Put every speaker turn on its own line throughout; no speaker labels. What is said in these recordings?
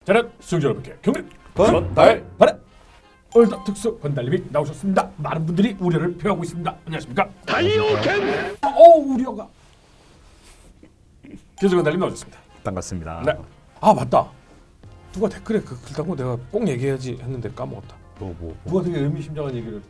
대략 수영자 여러분께 경례
건달바라.
얼더 특수 건달님이 나오셨습니다. 많은 분들이 우려를 표하고 있습니다. 안녕하십니까? 달리오겐. 우려가. 교수 건달님 나오셨습니다.
반갑습니다.
네. 아 맞다. 누가 댓글에 그 글 달고 내가 꼭 얘기해야지 했는데 까먹었다. 누가 되게 의미심장한 얘기를.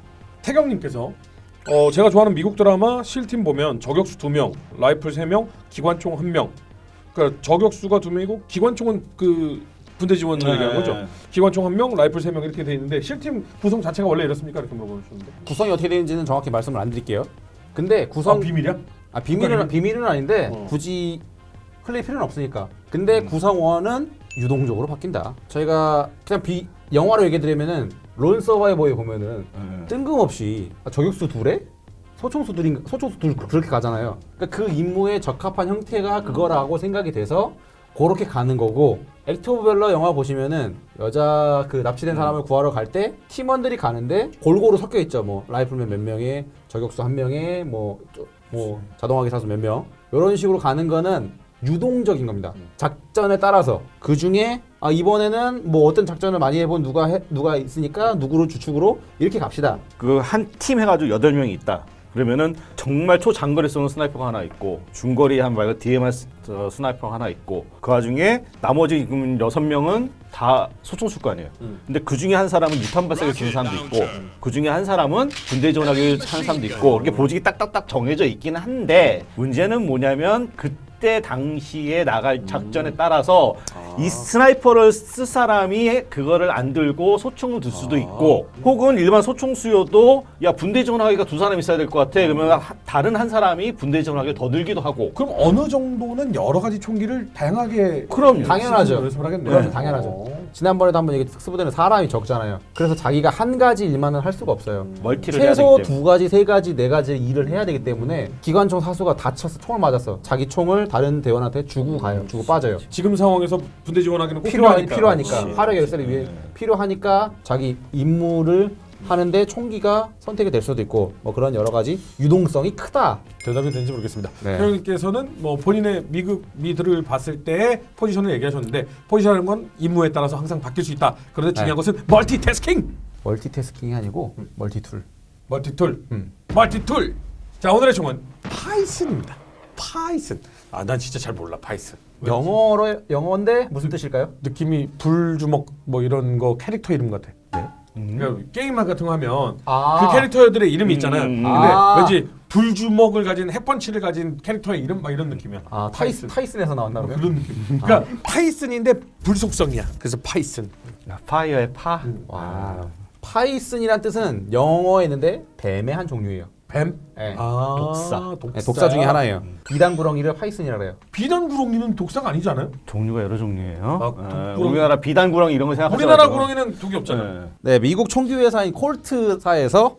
태경님께서 제가 좋아하는 미국 드라마 실팀 보면 저격수 2명, 라이플 3명, 기관총 1명. 그러니까 저격수가 2명이고 기관총은 그 군대 지원을 얘기하는 거죠. 기관총 1명, 라이플 3명 이렇게 돼 있는데 실팀 구성 자체가 원래 이렇습니까? 이렇게 물어보셨는데.
구성이 어떻게 되는지는 정확히 말씀을 안 드릴게요. 근데 구성
비밀이야?
비밀은 아닌데 굳이 흘릴 필요는 없으니까. 근데 구성원은 유동적으로 바뀐다. 저희가 그냥 영화로 얘기 드리면은 론 서바이버에 보면은 뜬금없이 저격수 둘에 소총수 둘 그렇게 가잖아요. 그러니까 그 임무에 적합한 형태가 그거라고 생각이 돼서 그렇게 가는 거고, 액트 오브 밸러 영화 보시면은 여자 그 납치된 사람을 구하러 갈 때 팀원들이 가는데 골고루 섞여 있죠. 뭐 라이플맨 몇 명에, 저격수 한 명에, 뭐 자동화기 사수 몇 명, 이런 식으로 가는 거는 유동적인 겁니다. 작전에 따라서 그 중에 이번에는 뭐 어떤 작전을 많이 해본 누가 있으니까 누구를 주축으로 이렇게 갑시다.
그 한 팀 해가지고 8명이 있다. 그러면은 정말 초장거리 쏘는 스나이퍼가 하나 있고 중거리 한 말고 DMR 스나이퍼가 하나 있고 그 와중에 나머지 6명은 다 소총수일 거 아니에요. 근데 그 중에 한 사람은 유탄 발사기를 주는 사람도 있고 그 중에 한 사람은 군대 지원하기 하는 사람도 있고 이렇게 보직이 딱딱딱 정해져 있기는 한데 문제는 뭐냐면 그때 당시에 나갈 작전에 따라서 이 스나이퍼를 쓸 사람이 그거를 안 들고 소총을 들 수도 있고 혹은 일반 소총수여도 야 분대 지원하기가 2사람 있어야 될 것 같아 그러면 다른 한 사람이 분대 지원하기를 더 들기도 하고.
그럼 어느 정도는 여러 가지 총기를 다양하게
그럼 당연하죠.
연습을 하겠네.
그럼 당연하죠. 지난번에도 한번 얘기 특수부대는 사람이 적잖아요. 그래서 자기가 한 가지 일만은 할 수가 없어요.
멀티를 해야
최소
되기 때문에.
2가지, 3가지, 4가지 일을 해야 되기 때문에 기관총 사수가 다쳐서 총을 맞았어. 자기 총을 다른 대원한테 주고 가요. 주고 빠져요.
지금 상황에서 분대 지원하기는 꼭
필요하니까.
그렇지.
화력 열쇠를 위해 필요하니까 자기 임무를 하는데 총기가 선택이 될 수도 있고 뭐 그런 여러 가지 유동성이 크다.
대답이 되는지 모르겠습니다.
네.
회원님께서는 뭐 본인의 미들을 봤을 때 포지션을 얘기하셨는데 포지션이라는 건 임무에 따라서 항상 바뀔 수 있다. 그런데 중요한 것은 멀티태스킹.
멀티태스킹이 아니고 멀티툴.
멀티툴. 멀티툴. 자 오늘의 총은 파이슨입니다. 파이슨. 난 진짜 잘 몰라 파이슨.
영어인데 무슨 뜻일까요?
느낌이 불주먹 뭐 이런 거 캐릭터 이름 같아. 그러니까 게임만 같은 거 하면 그 캐릭터들의 이름이 있잖아요. 근데 왠지 불주먹을 가진 핵펀치를 가진 캐릭터의 이름 막 이런 느낌이야.
타이슨에서 나왔나 그러면?
그런 느낌. 그러니까 파이슨인데 불속성이야. 그래서 파이슨.
파이어의 파.
와. 파이슨이란 뜻은 영어에 있는데 뱀의 한 종류예요.
뱀?
네.
독사.
네, 독사 중에 하나예요. 비단구렁이를 파이슨이라고 해요.
비단구렁이는 독사가 아니잖아요.
종류가 여러 종류예요.
독구렁이.
우리나라 비단구렁이 이런 거 생각하지
우리나라
마시고.
구렁이는 독이 없잖아요.
네, 미국 총기 회사인 콜트사에서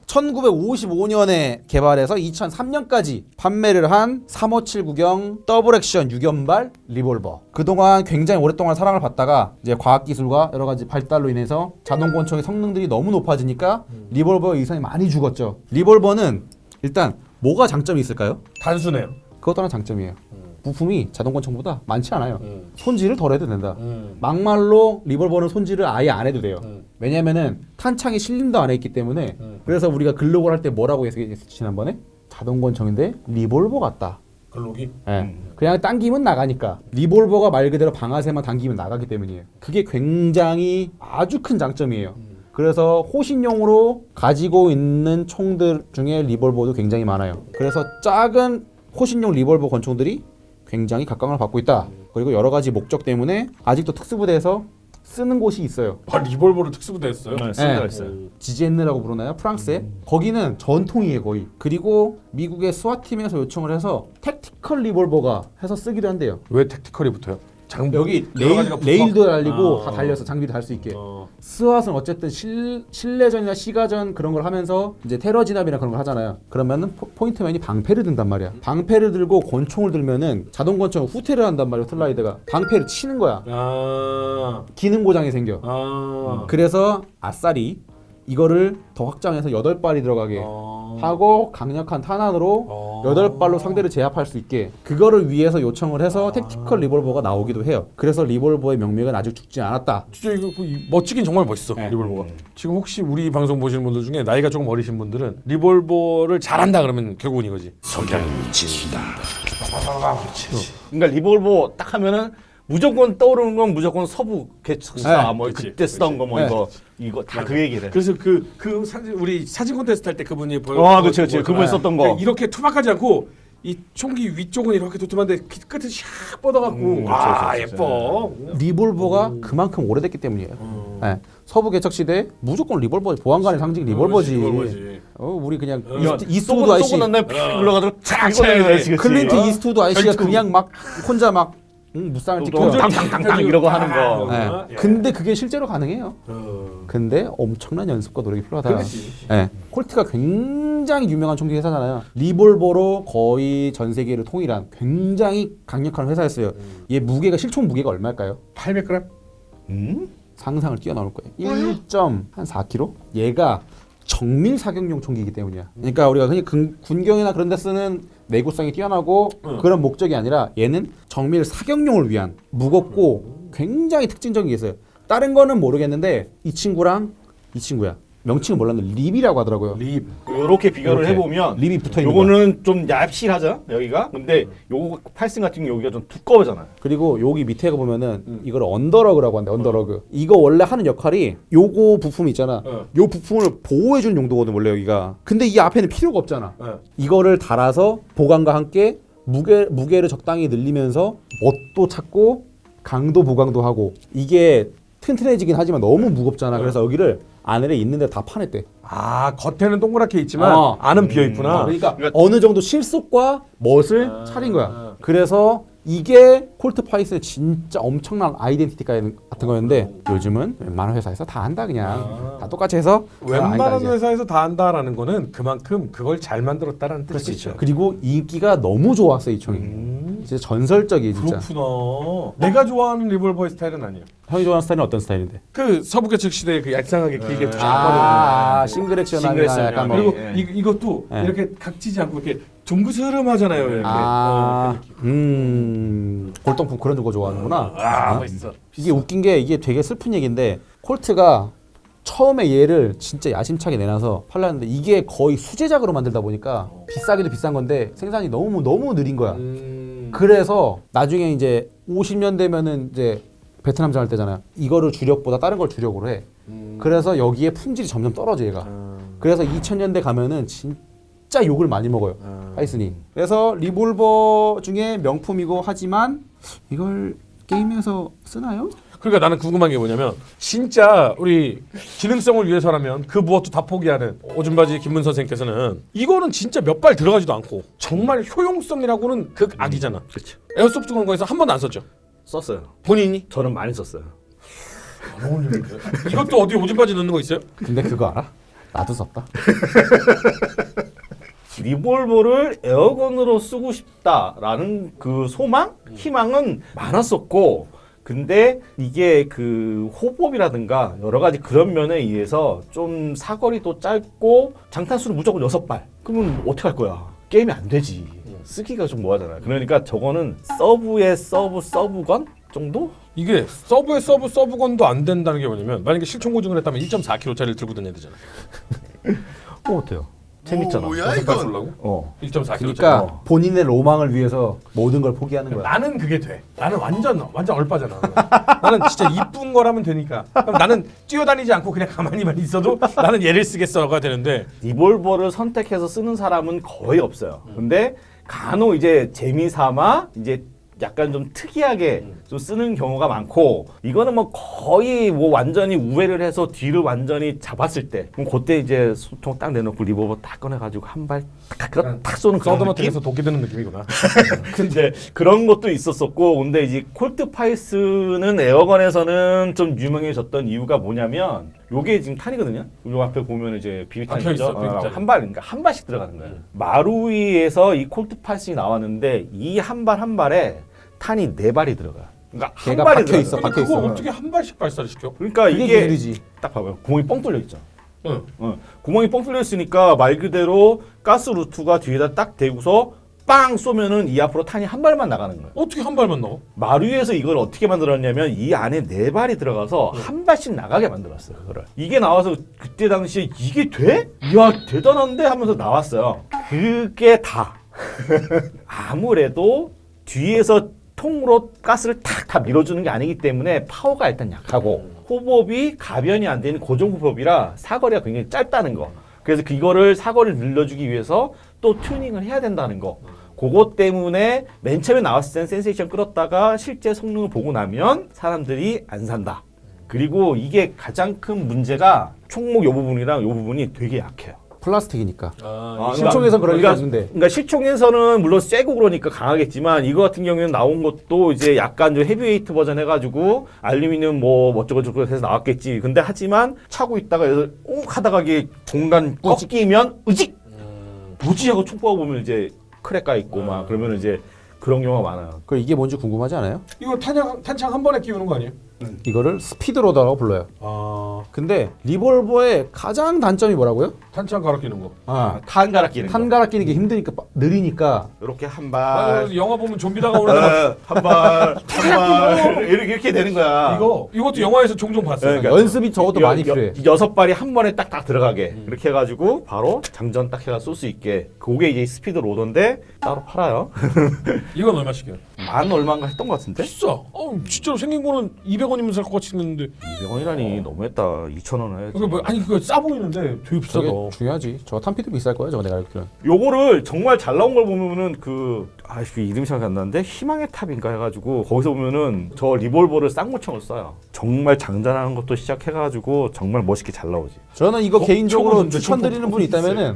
1955년에 개발해서 2003년까지 판매를 한 357구경 더블 액션 6연발 리볼버. 그동안 굉장히 오랫동안 사랑을 받다가 이제 과학 기술과 여러 가지 발달로 인해서 자동 권총의 성능들이 너무 높아지니까 리볼버 의상이 많이 죽었죠. 리볼버는 일단 뭐가 장점이 있을까요?
단순해요.
그것도 하나 장점이에요. 부품이 자동 권총보다 많지 않아요. 손질을 덜 해도 된다. 막말로 리볼버는 손질을 아예 안 해도 돼요. 왜냐면은 탄창이 실린더 안에 있기 때문에. 그래서 우리가 글록을 할 때 뭐라고 했었지 지난번에? 자동 권총인데 리볼버 같다.
글록이?
네. 그냥 당기면 나가니까. 리볼버가 말 그대로 방아쇠만 당기면 나가기 때문이에요. 그게 굉장히 아주 큰 장점이에요. 그래서 호신용으로 가지고 있는 총들 중에 리볼버도 굉장히 많아요. 그래서 작은 호신용 리볼버 권총들이 굉장히 각광을 받고 있다. 그리고 여러 가지 목적 때문에 아직도 특수부대에서 쓰는 곳이 있어요.
리볼버를 특수부대 했어요?
네, 쓰는 데가 있어요.
지제엔느라고 부르나요? 프랑스에? 거기는 전통이에요 거의. 그리고 미국의 스와팀에서 요청을 해서 택티컬 리볼버가 해서 쓰기도 한대요.
왜 택티컬이 붙어요?
여기
여러 가지가
레일도 달리고 다 달려서 장비도 달 수 있게.
어.
스왓은 어쨌든 실내전이나 시가전 그런 걸 하면서 이제 테러 진압이나 그런 걸 하잖아요. 그러면은 포인트맨이 방패를 든단 말이야. 방패를 들고 권총을 들면은 자동 권총 후퇴를 한단 말이야. 슬라이드가 방패를 치는 거야. 기능 고장이 생겨. 그래서 아싸리 이거를 더 확장해서 8발이 들어가게 하고 강력한 탄환으로 8발로 상대를 제압할 수 있게 그거를 위해서 요청을 해서 택티컬 리볼버가 나오기도 해요. 그래서 리볼버의 명맥은 아직 죽지 않았다.
진짜 이거 멋지긴 정말 멋있어.
네.
리볼버가. 지금 혹시 우리 방송 보시는 분들 중에 나이가 조금 어리신 분들은 리볼버를 잘한다 그러면 결국은 이거지. 석양이 진다.
그러니까 리볼버 딱 하면은 무조건 떠오르는 건 무조건 서부 개척사
네.
뭐
그치,
그때 쓰던 거 뭐
네.
이거 다 그 얘기를 해.
그래서 그 사진 우리 사진 콘테스트 할 때 그분이
그치. 그분 썼던 거.
이렇게 투박하지 않고 이 총기 위쪽은 이렇게 도톰한데 끝은 샥 뻗어갖고 와
그렇죠.
예뻐.
리볼버가 그만큼 오래됐기 때문이에요. 네. 서부 개척 시대 무조건 리볼버 보안관의 상징 리볼버지. 우리 그냥 이스트우드 아이씨,
쏘고 난 다음에 픽 올라가다가 쫙
차야지.
클린트 이스트우드 아이씨가
결투.
그냥 막 혼자 막 무쌍을 찍혀.
당당당당 이러고 하는 거.
네. 근데 그게 실제로 가능해요. 근데 엄청난 연습과 노력이 필요하다. 네. 콜트가 굉장히 유명한 총기 회사잖아요. 리볼버로 거의 전 세계를 통일한 굉장히 강력한 회사였어요. 얘 무게가 실총 무게가 얼마일까요?
800g?
상상을 뛰어넘을 거예요. 1.4kg? 얘가 정밀 사격용 총기이기 때문이야. 그러니까 우리가 그냥 군경이나 그런 데 쓰는 내구성이 뛰어나고 그런 목적이 아니라 얘는 정밀 사격용을 위한 무겁고 굉장히 특징적인 게 있어요. 다른 거는 모르겠는데 이 친구랑 이 친구야. 명칭은 몰랐는데 립이라고 하더라고요.
립.
이렇게 비교를
이렇게.
해보면
립이 붙어 있는 거야.
요거는 좀 얇실하죠 여기가. 근데 요거 팔승 같은 경우 여기가 좀 두꺼워잖아요.
그리고 여기 밑에 보면은 이걸 언더러그라고 하는데 언더러그. 이거 원래 하는 역할이 요거 부품 있잖아. 요 부품을 보호해 주는 용도거든 원래 여기가. 근데 이 앞에는 필요가 없잖아. 이거를 달아서 보강과 함께 무게를 적당히 늘리면서 멋도 찾고 강도 보강도 하고 이게 튼튼해지긴 하지만 너무 무겁잖아. 그래서 여기를 안에 있는데 다 파냈대.
아 겉에는 동그랗게 있지만 안은 비어 있구나.
그러니까 어느 정도 실속과 멋을 차린 거야. 그래서 이게 콜트 파이슨의 진짜 엄청난 아이덴티티 같은 거였는데 요즘은 웬만한 회사에서 다 한다 그냥. 다 똑같이 해서
웬만한 회사에서 다 한다라는 거는 그만큼 그걸 잘 만들었다라는 뜻이죠.
그리고 인기가 너무 좋았어 이 총이. 진짜 전설적이에요 진짜.
그렇구나. 내가 좋아하는 리볼버의 스타일은 아니에요.
형이 좋아하는 스타일은 어떤 스타일인데?
그 서부 개척 시대에 그 얄쌍하게 길게
싱글 액션이나 약간 뭐.
그리고 이것도 이렇게 각지지 않고 이렇게 둥그스름하잖아요. 이렇게.
골동품 그런 거 좋아하는구나.
멋있어.
이게 웃긴 게 이게 되게 슬픈 얘기인데 콜트가 처음에 얘를 진짜 야심차게 내놔서 팔렸는데 이게 거의 수제작으로 만들다 보니까 비싸기도 비싼 건데 생산이 너무 느린 거야. 그래서 나중에 이제 50년 되면은 이제 베트남전 할 때잖아요. 이거를 주력보다 다른 걸 주력으로 해. 그래서 여기에 품질이 점점 떨어져 얘가. 그래서 2000년대 가면은 진짜 욕을 많이 먹어요. 파이슨이. 그래서 리볼버 중에 명품이고 하지만 이걸 게임에서 쓰나요?
그러니까 나는 궁금한 게 뭐냐면 진짜 우리 기능성을 위해서라면 그 무엇도 다 포기하는 오줌바지 김문 선생님께서는 이거는 진짜 몇 발 들어가지도 않고 정말 효용성이라고는 극악이잖아.
그렇죠.
에어소프트 공간에서 한 번도 안 썼죠.
썼어요.
본인이?
저는 많이 썼어요.
이것도 어디 오줌바지 넣는 거 있어요?
근데 그거 알아? 나도 썼다.
리볼버를 에어건으로 쓰고 싶다라는 그 소망, 희망은 많았었고, 근데 이게 그 호법이라든가 여러 가지 그런 면에 의해서 좀 사거리도 짧고 장탄수는 무조건 6발. 그러면 어떻게 할 거야? 게임이 안 되지. 쓰기가 좀 뭐하잖아. 그러니까 저거는 서브의 서브건 정도?
이게 서브의 서브건도 안 된다는 게 뭐냐면 만약에 실총 고증을 했다면 1.4kg짜리를 들고 다녀야 되잖아.
어때요? 재밌잖아.
뭐야 이거? 쏠라고? 1.4kg.
그러니까 본인의 로망을 위해서 모든 걸 포기하는 거야.
나는 그게 돼. 나는 완전 얼빠잖아. 나는 진짜 이쁜 거라면 되니까. 그럼 나는 뛰어다니지 않고 그냥 가만히만 있어도 나는 얘를 쓰겠어가 되는데
리볼버를 선택해서 쓰는 사람은 거의 없어요. 근데 간혹 이제 재미삼아 이제 약간 좀 특이하게 좀 쓰는 경우가 많고 이거는 뭐 거의 뭐 완전히 우회를 해서 뒤를 완전히 잡았을 때 그럼 그때 이제 소총 딱 내놓고 리볼버 딱 꺼내가지고 한 발 딱 쏘는 그런 느낌?
서든어택에서 독이 드는 느낌이구나.
근데 그런 것도 있었었고 근데 이제 콜트 파이스는 에어건에서는 좀 유명해졌던 이유가 뭐냐면 요게 지금 탄이거든요. 요 앞에 보면 이제 비비탄이죠. 한 발, 그러니까 한 발씩 들어가는 거예요. 마루이에서 이 콜트 파이스이 나왔는데 이 한 발 한 발에 탄이 4발이 들어가. 그러니까 한
걔가
발이
박혀 있어,
근데
박혀
그걸
있어.
어떻게 한 발씩 발사를 시켜?
그러니까
이게
이게
기술이지.
딱 봐봐요. 구멍이 뻥 뚫려 있죠.
응.
구멍이 뻥 뚫려 있으니까 말 그대로 가스 루트가 뒤에다 딱 대고서 빵 쏘면은 이 앞으로 탄이 한 발만 나가는 거예요.
어떻게 한 발만 넣어?
마루에서 이걸 어떻게 만들었냐면 이 안에 4발이 들어가서 한 발씩 나가게 만들었어요. 그거를. 이게 나와서 그때 당시에 이게 돼? 이야 대단한데 하면서 나왔어요. 그게 다. 아무래도 뒤에서 통으로 가스를 탁 다 밀어주는 게 아니기 때문에 파워가 일단 약하고 호법이 가변이 안 되는 고정 호법이라 사거리가 굉장히 짧다는 거. 그래서 그거를 사거리를 늘려주기 위해서 또 튜닝을 해야 된다는 거. 그것 때문에 맨 처음에 나왔을 때는 센세이션 끌었다가 실제 성능을 보고 나면 사람들이 안 산다. 그리고 이게 가장 큰 문제가 총목 요 부분이랑 요 부분이 되게 약해요.
플라스틱이니까.
아,
실총에서 그럴 리가 없는데.
그러니까 실총에서는 물론 세고 그러니까 강하겠지만 이거 같은 경우에는 나온 것도 이제 약간 좀 헤비웨이트 버전 해가지고 알루미늄 뭐 어쩌고저쩌고 해서 나왔겠지. 근데 하지만 차고 있다가 여기서 욱 하다가 이게 공간 꺾이면 으직! 무지하고 총 쏘아 보면 이제 크랙 가 있고 막 그러면 이제 그런 경우가 많아요.
그 이게 뭔지 궁금하지 않아요?
이거 탄창 한 번에 끼우는 거 아니에요?
이거를 스피드로더라고 불러요.
아,
근데 리볼버의 가장 단점이 뭐라고요?
탄창 갈아 끼는 거.
탄 갈아 끼는 거.
탄 갈아 끼는 게 힘드니까 느리니까.
이렇게 한
아,
발,
영화 보면 좀비 다가오는
한 발, 한 발, 이렇게 되는 거야.
이것도 영화에서 종종 봤어요.
그러니까
연습이 적어도 많이 필요해.
6발이 한 번에 딱딱 들어가게 이렇게 해가지고 바로 장전 딱 해가 쏠 수 있게 그게 이제 스피드 로더인데 따로 팔아요.
이건 얼마씩이야?
만 얼마인가 했던 것 같은데?
비싸. 진짜로 생긴 거는 200원이면 살 것 같이 생겼는데.
200원이라니 너무했다. 2,000원 해야지.
그거 싸 보이는데 되게 비싸다.
저게 중요하지. 저 탄피도 비쌀 거야. 저거 내가 알기로는.
요거를 정말 잘 나온 걸 보면은 그 이름이 생각이 안 나는데 희망의 탑인가 해가지고 거기서 보면은 저 리볼버를 쌍무총을 써요. 정말 장전하는 것도 시작해가지고 정말 멋있게 잘 나오지.
저는 이거 개인적으로
총은
추천드리는
총은
분이 있다면은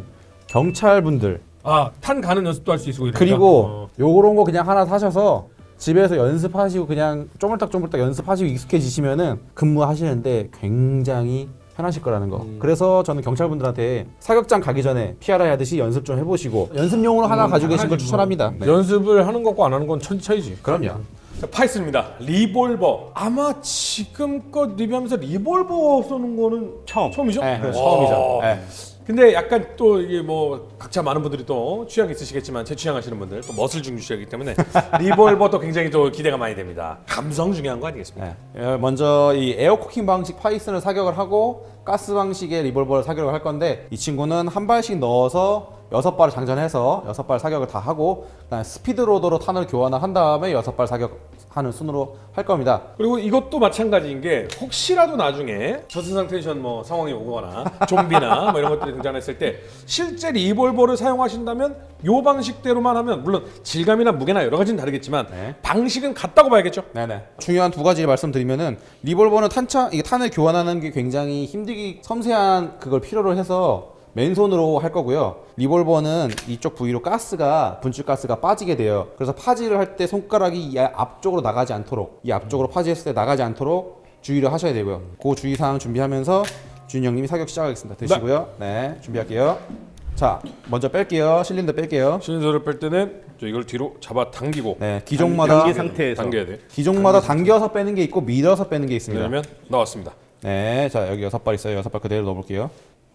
경찰분들
탄 가는 연습도 할 수 있고 이러니까.
그리고 요런 거 그냥 하나 사셔서 집에서 연습하시고 그냥 쪼물딱쪼물딱 연습하시고 익숙해지시면은 근무하시는데 굉장히 편하실 거라는 거. 그래서 저는 경찰분들한테 사격장 가기 전에 PRI 하듯이 연습 좀 해보시고 연습용으로 하나 가지고 계신 걸 추천합니다. 네.
연습을 하는 것과 안 하는 건 천지 차이지.
그럼요.
자, 파이슨입니다. 리볼버. 아마 지금껏 리뷰하면서 리볼버 쏘는 거는 처음이죠?
네, 처음이죠. 네.
근데 약간 또 이게 뭐 각자 많은 분들이 또 취향이 있으시겠지만 제 취향하시는 분들 또 멋을 중시하기 때문에 리볼버도 굉장히 또 기대가 많이 됩니다. 감성 중요한 거 아니겠습니까?
네. 먼저 이 에어코킹 방식 파이슨을 사격을 하고 가스 방식의 리볼버를 사격을 할 건데 이 친구는 한 발씩 넣어서 6발을 장전해서 6발 사격을 다 하고 그다음에 스피드 로더로 탄을 교환을 한 다음에 6발 사격하는 순으로 할 겁니다.
그리고 이것도 마찬가지인 게 혹시라도 나중에 저승상 텐션 뭐 상황이 오거나 좀비나 뭐 이런 것들이 등장했을 때 실제 리볼버를 사용하신다면 요 방식대로만 하면 물론 질감이나 무게나 여러 가지는 다르겠지만 방식은 같다고 봐야겠죠.
네네. 중요한 두 가지 말씀드리면은 리볼버는 이게 탄을 교환하는 게 굉장히 힘들기 섬세한 그걸 필요로 해서 맨손으로 할 거고요. 리볼버는 이쪽 부위로 분출 가스가 빠지게 돼요. 그래서 파지를 할 때 손가락이 이 앞쪽으로 나가지 않도록 이 앞쪽으로 파지했을 때 나가지 않도록 주의를 하셔야 되고요. 그 주의사항 준비하면서 준이 형님이 사격 시작하겠습니다. 드시고요. 네, 준비할게요. 자, 먼저 뺄게요. 실린더 뺄게요.
실린더를 뺄 때는 이걸 뒤로 잡아 당기고
네, 기종마다
단계 상태에서
당겨야 돼.
기종마다 당겨서 빼는 게 있고 밀어서 빼는 게 있습니다.
그러면 나왔습니다.
네, 자 여기 6발 있어요. 6발 그대로 넣어볼게요.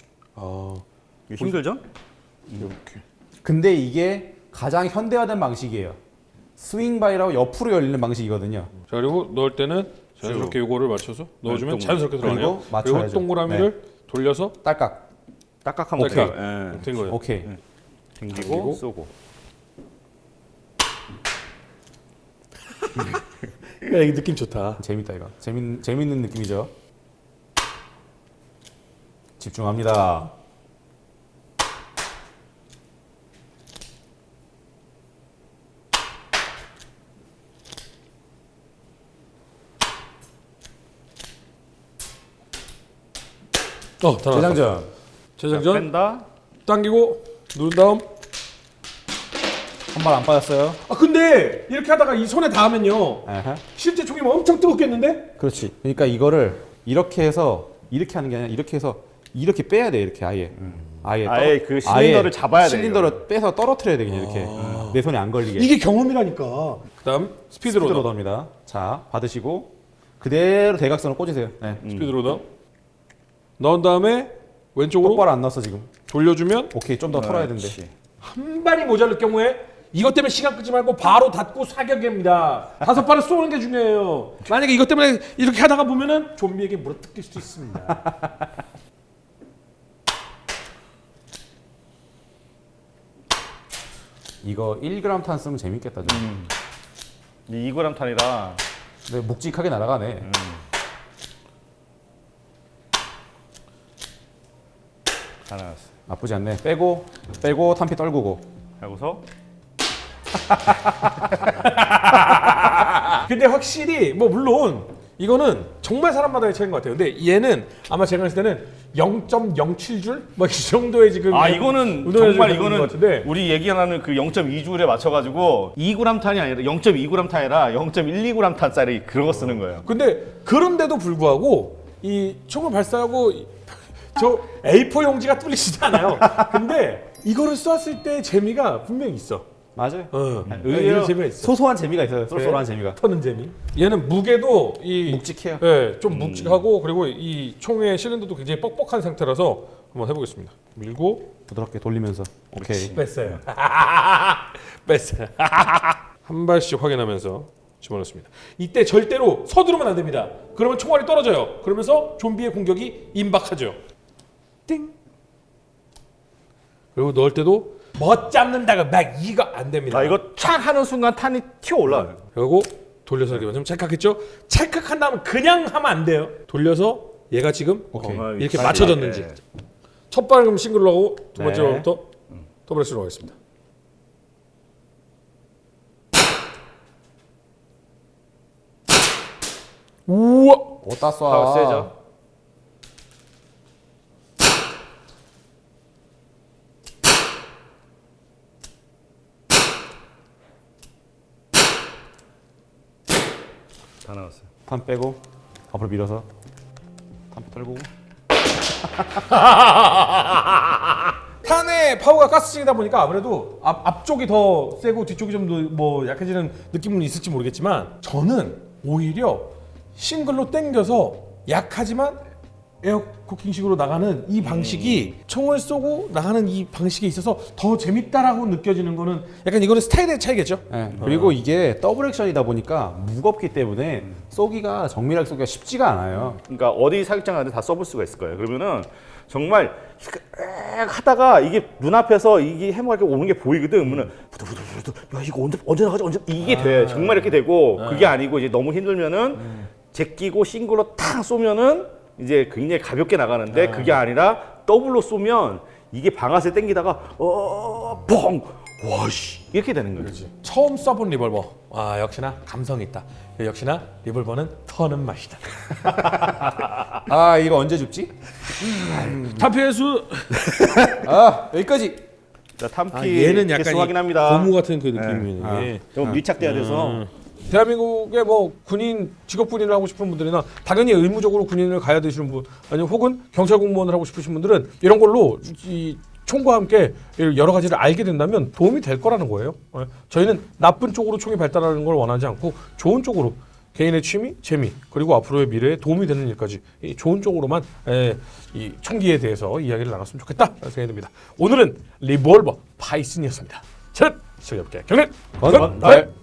힘들죠?
이렇게.
근데 이게 가장 현대화된 방식이에요. 스윙 바이라고 옆으로 열리는 방식이거든요.
자, 그리고 넣을 때는 자연스럽게 요거를 맞춰서 넣어주면 자연스럽게 들어가네요.
그리고 맞춰야죠.
그리고 동그라미를 돌려서
딸깍.
딱딱하면
오케이.
오케이.
된 거예요.
오케이.
당기고 쏘고.
야, 이 느낌 좋다.
재밌다 이거. 재밌는 느낌이죠. 집중합니다.
다 나왔다. 재장전.
뺀다.
당기고 누른 다음.
한 발 안 빠졌어요.
근데 이렇게 하다가 이 손에 닿으면요.
에헤.
실제 총이면 엄청 뜨겁겠는데?
그렇지. 그러니까 이거를 이렇게 해서 이렇게 하는 게 아니라 이렇게 해서 이렇게 빼야 돼. 이렇게 아예.
아예 그 실린더를 잡아야 돼,
실린더를 빼서 떨어뜨려야 돼. 그냥 이렇게. 내 손에 안 걸리게.
이게 경험이라니까. 그다음 스피드 로더.
로더입니다. 자, 받으시고 그대로 대각선을 꽂으세요. 네.
스피드 로더. 넣은 다음에 왼쪽으로
똑바로 안 났어 지금.
돌려주면
오케이 좀 더 털어야 된대.
그렇지.
한 발이 모자랄 경우에 이것 때문에 시간 끄지 말고 바로 닫고 사격입니다. 5발을 쏘는 게 중요해요. 만약에 이것 때문에 이렇게 하다가 보면은 좀비에게 물어뜯길 수도 있습니다.
이거 1g 탄 쓰면 재밌겠다 좀.
2g 탄이라
근데 묵직하게 날아가네.
다 나왔어.
나쁘지 않네. 빼고 탄피 떨구고.
하고서
근데 확실히 뭐 물론 이거는 정말 사람마다의 차이인 것 같아요. 근데 얘는 아마 제가 봤을 때는 0.07줄 뭐 이 정도의 지금
이거는
운동을
정말
해주는 것
이거는
같은데
우리 얘기하는 그 0.2줄에 맞춰가지고 2g 탄이 아니라 0.2g 탄이라 0.12g 탄짜리 그런 거 쓰는 거예요.
근데 그런데도 불구하고 이 총을 발사하고 저 A4 용지가 뚫리지도 않아요. 근데 이거를 쐈을 때 재미가 분명히 있어.
맞아요.
의외로
의외로
재미가 있어.
소소한 재미가 있어요. 쏠쏠한 재미가.
터는 재미. 얘는 무게도 이
묵직해요.
예, 좀 묵직하고 그리고 이 총의 실린더도 굉장히 뻑뻑한 상태라서 한번 해보겠습니다. 밀고
부드럽게 돌리면서. 오케이.
뺐어요. 뺐어요. 한 발씩 확인하면서 집어넣습니다. 이때 절대로 서두르면 안 됩니다. 그러면 총알이 떨어져요. 그러면서 좀비의 공격이 임박하죠. 띵. 그리고 넣을 때도 멋 잡는다가 막 이거 안 됩니다.
이거 착 하는 순간 탄이 튀어 올라와요.
그리고 돌려서 이렇게 좀 찰칵했죠? 찰칵한 다음 그냥 하면 안 돼요. 돌려서 얘가 지금
오케이.
이렇게 맞춰졌는지. 첫 발은 그럼 싱글로 하고 두 번째
네.
발부터 더블스로 가겠습니다. 우와!
어따 쏴.
파워 세죠. 다 나왔어요.
탄 빼고 앞으로 밀어서 탄피 떨구고.
탄의 파워가 가스층이다 보니까 아무래도 앞쪽이 더 세고 뒤쪽이 좀 뭐 약해지는 느낌은 있을지 모르겠지만 저는 오히려 싱글로 당겨서 약하지만 에어 코킹식으로 나가는 이 방식이 총을 쏘고 나가는 이 방식에 있어서 더 재밌다라고 느껴지는 거는 약간 이거는 스타일의 차이겠죠?
네. 그리고 이게 더블 액션이다 보니까 무겁기 때문에 쏘기가 정밀하게 쏘기가 쉽지가 않아요.
그러니까 어디 사격장 가는데 다 써볼 수가 있을 거예요. 그러면은 정말 하다가 이게 눈앞에서 이게 해머가 이렇게 오는 게 보이거든. 그러면은 부두부두부두 야 이거 언제 나가지 언제 이게 돼. 정말 이렇게 되고 그게 아니고 이제 너무 힘들면은 제끼고 싱글로 탁 쏘면은 이제 굉장히 가볍게 나가는데 그게 아니라 더블로 쏘면 이게 방아쇠 당기다가 뻥 와씨 이렇게 되는 거지.
처음 쏴본 리볼버. 아 역시나 감성 있다. 역시나 리볼버는 터는 맛이다.
아 이거 언제 줍지?
타피의수.
아 여기까지.
자 탐피
얘는 약간
개수 확인합니다.
고무 같은 그 느낌이네.
좀 밀착돼야 돼서
대한민국의 뭐 군인 직업 군인을 하고 싶은 분들이나 당연히 의무적으로 군인을 가야 되시는 분 아니면 혹은 경찰 공무원을 하고 싶으신 분들은 이런 걸로 이 총과 함께 여러 가지를 알게 된다면 도움이 될 거라는 거예요. 저희는 나쁜 쪽으로 총이 발달하는 걸 원하지 않고 좋은 쪽으로 개인의 취미, 재미 그리고 앞으로의 미래에 도움이 되는 일까지 이 좋은 쪽으로만 이 총기에 대해서 이야기를 나눴으면 좋겠다 생각이 듭니다. 오늘은 리볼버 파이슨이었습니다. 자, 즐겁게 경례
건달.